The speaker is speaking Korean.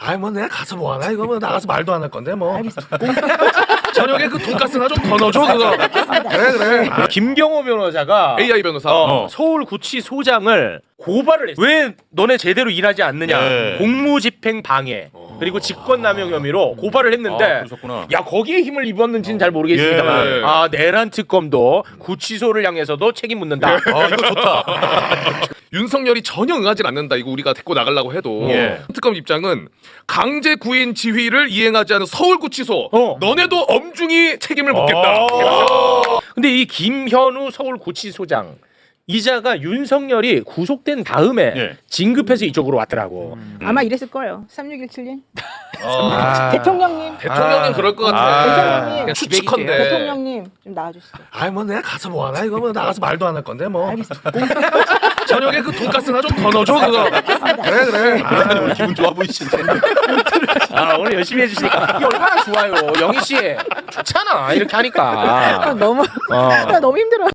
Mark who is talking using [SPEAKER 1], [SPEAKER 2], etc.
[SPEAKER 1] 아이 뭐 내가 가서 뭐 하나 이거 뭐 나가서 말도 안 할 건데 뭐. 저녁에 그 돈가스나 좀 더 넣어줘 그거. 그래.
[SPEAKER 2] 김경호 변호사가
[SPEAKER 3] AI 변호사.
[SPEAKER 2] 서울구치소장을 고발을 했어. 왜 너네 제대로 일하지 않느냐.
[SPEAKER 4] 네.
[SPEAKER 2] 공무집행 방해 그리고 직권남용 혐의로 고발을 했는데
[SPEAKER 4] 그러셨구나.
[SPEAKER 2] 야 거기에 힘을 입었는지는 잘 모르겠습니다만
[SPEAKER 3] 예.
[SPEAKER 2] 아 내란 특검도 구치소를 향해서도 책임 묻는다.
[SPEAKER 4] 아, 이거 좋다.
[SPEAKER 3] 윤석열이 전혀 응하지 않는다. 이거 우리가 데리고 나가려고 해도
[SPEAKER 2] 예.
[SPEAKER 3] 특검 입장은 강제 구인 지휘를 이행하지 않은 서울구치소 너네도 엄중히 책임을 묻겠다.
[SPEAKER 2] 근데 이 김현우 서울구치소장 이자가 윤석열이 구속된 다음에
[SPEAKER 4] 예.
[SPEAKER 2] 진급해서 이쪽으로 왔더라고.
[SPEAKER 5] 아마 이랬을 거예요. 3617님.
[SPEAKER 2] 아.
[SPEAKER 5] 대통령님.
[SPEAKER 3] 대통령님 그럴 것 같아.
[SPEAKER 5] 대통령님.
[SPEAKER 3] 그냥 추측컨대.
[SPEAKER 5] 대통령님 좀 나와주시죠.
[SPEAKER 1] 아이 뭐 내가 가서 뭐 하나 이거 뭐 나가서 말도 안 할 건데 뭐.
[SPEAKER 5] 알겠습니다.
[SPEAKER 1] 저녁에 그 돈가스나 좀 더 넣어줘 그거. 그래.
[SPEAKER 4] 아니, 오늘 기분 좋아 보이시네.
[SPEAKER 2] 아 오늘 열심히 해주시니까 이게 얼마나 좋아요. 영희 씨 좋잖아 이렇게 하니까.
[SPEAKER 5] 너무 나 너무 힘들어.